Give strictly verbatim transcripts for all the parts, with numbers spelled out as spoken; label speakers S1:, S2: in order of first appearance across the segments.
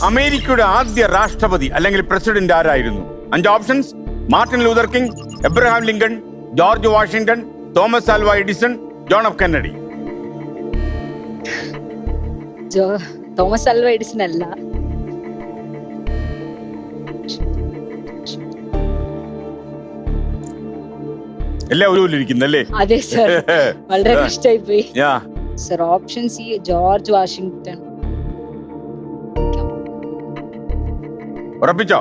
S1: അമേരിക്കയുടെ ആദ്യ രാഷ്ട്രപതി അല്ലെങ്കിൽ പ്രസിഡന്റ് ആരായിരുന്നു? അഞ്ച് options: Martin Luther King, Abraham Lincoln, George Washington, Thomas Alva Edison, John F Kennedy.
S2: Thomas Alva Edison അല്ല.
S1: എല്ലാം ഒരുപോലിരിക്കുന്നല്ലേ?
S2: അതെ സർ, വളരെ കഷ്ടമായി പോയി
S1: yeah
S2: sir. Option C George Washington.
S1: ഉറപ്പിച്ചോ?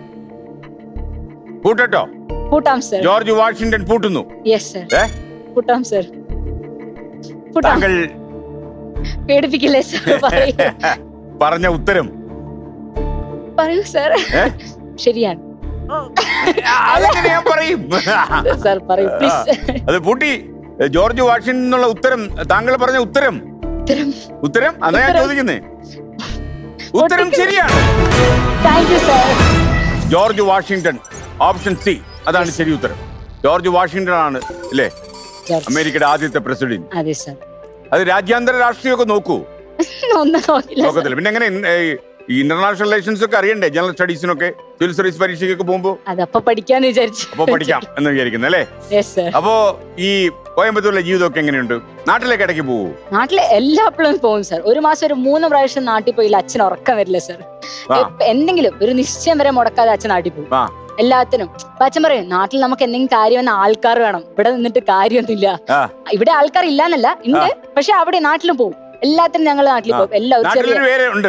S1: കൂട്ടോ?
S2: കൂട്ടാം സർ.
S1: ജോർജ് വാഷിംഗ്ടൺ പൂട്ടുന്നു.
S2: യെസ് സർ, കൂട്ടാം സർ.
S1: താങ്കൾ
S2: പേടിപ്പിക്കില്ലേ സർ?
S1: പറഞ്ഞ ഉത്തരം
S2: പറയൂ സർ. ശരിയാണ്.
S1: അതെങ്ങനെ ഞാൻ പറയും?
S2: സർ പറയൂ പ്ലീസ്.
S1: അത് പൂട്ടി. ജോർജ് വാഷിംഗ്ടൺ എന്നുള്ള ഉത്തരം താങ്കൾ പറഞ്ഞ ഉത്തരം ഉത്തരം അതാ ഞാൻ ചോദിക്കുന്നേ. ഉത്തരം ശരിയാണ്.
S2: Thank you sir.
S1: George Washington, option C, അതാണ് ശരി ഉത്തരം. ജോർജ് വാഷിംഗ്ടൺ ആണ് അല്ലേ അമേരിക്കയുടെ ആദ്യത്തെ പ്രസിഡന്റ്?
S2: അതെ സർ.
S1: അത് രാജ്യാന്തര രാഷ്ട്രീയമൊക്കെ നോക്കൂ?
S2: ഒന്നും
S1: നോക്കത്തില്ല. പിന്നെ എങ്ങനെ ഈ ഇന്റർനാഷണൽ റിലേഷൻസ് ഒക്കെ അറിയണ്ടേ? ജനറൽ സ്റ്റഡീസിനൊക്കെ സിവിൽ സർവീസ് പരീക്ഷയ്ക്കൊക്കെ പോകുമ്പോ
S2: അതപ്പോ പഠിക്കാന്ന് വിചാരിച്ചു.
S1: അപ്പൊ പഠിക്കാം എന്ന് വിചാരിക്കുന്നു അല്ലേ? അപ്പോ ഈ കോയമ്പത്തൂരിലെ ജീവിതമൊക്കെ എങ്ങനെയുണ്ട്? നാട്ടിലേക്ക് ഇടയ്ക്ക് പോവൂ?
S2: നാട്ടിലെ എല്ലാ എപ്പോഴും പോകും സർ. ഒരു മാസം ഒരു മൂന്ന് പ്രാവശ്യം നാട്ടിൽ പോയില്ല അച്ഛൻ ഉറക്കം വരില്ല സർ. എന്തെങ്കിലും ഒരു നിശ്ചയം വരെ മുടക്കാതെ അച്ഛൻ നാട്ടിൽ പോകും എല്ലാത്തിനും. അപ്പൊ അച്ഛൻ പറയും നാട്ടിൽ നമുക്ക് എന്തെങ്കിലും കാര്യം വന്ന ആൾക്കാർ വേണം, ഇവിടെ നിന്നിട്ട് കാര്യമൊന്നുമില്ല. ഇവിടെ ആൾക്കാർ ഇല്ലാന്നല്ല, ഉണ്ട്. പക്ഷെ അവിടെ നാട്ടിലും പോകും. എല്ലാത്തിനും ഞങ്ങൾ നാട്ടിൽ പോകും. എല്ലാവരും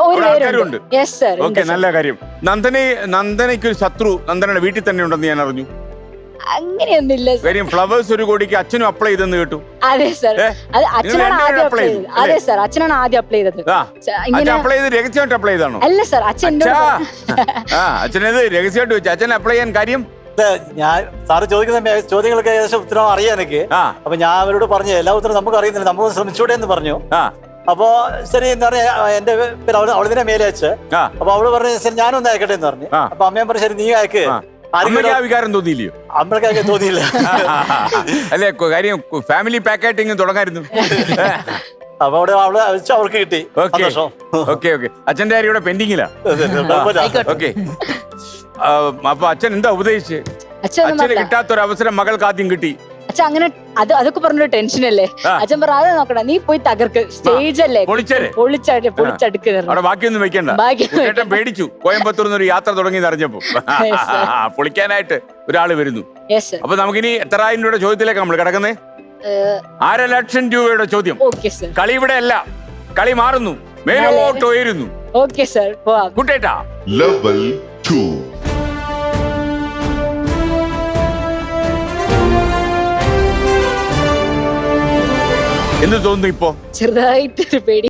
S1: നല്ല കാര്യം. നന്ദന നന്ദനയ്ക്ക് ഒരു ശത്രു നന്ദനയുടെ വീട്ടിൽ തന്നെ ഉണ്ടെന്ന് ഞാൻ അറിഞ്ഞു.
S2: അങ്ങനെയൊന്നുമില്ല
S1: കാര്യം ഫ്ലവേഴ്സ് ഒരു കോടിക്ക് അച്ഛനും അപ്ലൈ ചെയ്തെന്ന് കേട്ടു.
S2: അതെ സർ, അത് അച്ഛനാണ് ആദ്യം അപ്ലൈ ചെയ്തത്. അതെ സർ, അച്ഛനാണ് ആദ്യം അപ്ലൈ ചെയ്തത്.
S1: അപ്ലൈ ചെയ്ത് രഹസ്യമായിട്ട് അപ്ലൈ ചെയ്താണോ?
S2: അല്ല സർ, അച്ഛൻ
S1: അച്ഛനത് രഹസ്യമായിട്ട് വെച്ചു. അച്ഛൻ അപ്ലൈ ചെയ്യാൻ കാര്യം?
S3: ഞാൻ സാറ് ചോദിക്കുന്ന ചോദ്യങ്ങൾക്ക് ഏകദേശം ഉത്തരം അറിയാം എനിക്ക്. അപ്പൊ ഞാൻ അവരോട് പറഞ്ഞു എല്ലാ ഉത്തരം നമുക്ക് അറിയുന്നില്ല, നമുക്ക് ശ്രമിച്ചൂടെ എന്ന് പറഞ്ഞു. അപ്പൊ ശരി എന്താ പറയാ, എന്റെ അവളിതിനെ മേലെ വെച്ച്. അപ്പൊ അവള് പറഞ്ഞു ശരി ഞാനൊന്ന് അയക്കട്ടെ എന്ന് പറഞ്ഞു. അപ്പൊ അമ്മയും പറഞ്ഞു ശരി നീ അയക്ക്.
S1: വികാരം തോന്നിയില്ലയോ?
S3: അമ്മയ്ക്ക് തോന്നിയില്ല.
S1: അല്ലെ കാര്യം ഫാമിലി പാക്കേറ്റിംഗ് തുടങ്ങായിരുന്നു.
S3: അപ്പൊ അവിടെ അവള് അയച്ചു, അവൾക്ക് കിട്ടി.
S1: Okay okay. അച്ഛന്റെ കാര്യം ഇവിടെ പെൻഡിങ്ങിലാ. ഓക്കെ. അപ്പൊ അച്ഛൻ എന്താ ഉപദേശിച്ച്? അച്ഛന് കിട്ടാത്തൊരു അവസരം മകൾക്ക് ആദ്യം കിട്ടി.
S2: അച്ഛൻ അങ്ങനെ അത് അതൊക്കെ പറഞ്ഞൊരു ടെൻഷൻ അല്ലേ? അച്ഛൻ പറ അത് നോക്കണ്ട, നീ പോയി തകർക്ക്, സ്റ്റേജ് അല്ലേ പൊളിച്ചടുക്കുന്നത്.
S1: ബാക്കിയൊന്നും വെക്കണ്ട. പേടിച്ചു കോയമ്പത്തൂർ ഒരു യാത്ര തുടങ്ങി അറിഞ്ഞപ്പോ പൊളിക്കാനായിട്ട് ഒരാള് വരുന്നു. അപ്പൊ നമുക്കിനി എത്രായിരം രൂപയുടെ ചോദ്യത്തിലേക്ക് നമ്മൾ കിടക്കുന്നേ. അര ലക്ഷം രൂപയുടെ ചോദ്യം. കളി ഇവിടെ അല്ല, കളി മാറുന്നു, മേലോട്ട് ഉയരുന്നു.
S2: ഓക്കെ സർ,
S1: കുട്ടേട്ടാ.
S4: Level two.
S1: എന്ത് തോന്നുന്നു ഇപ്പോ?
S2: ചെറുതായിട്ടൊരു പേടി.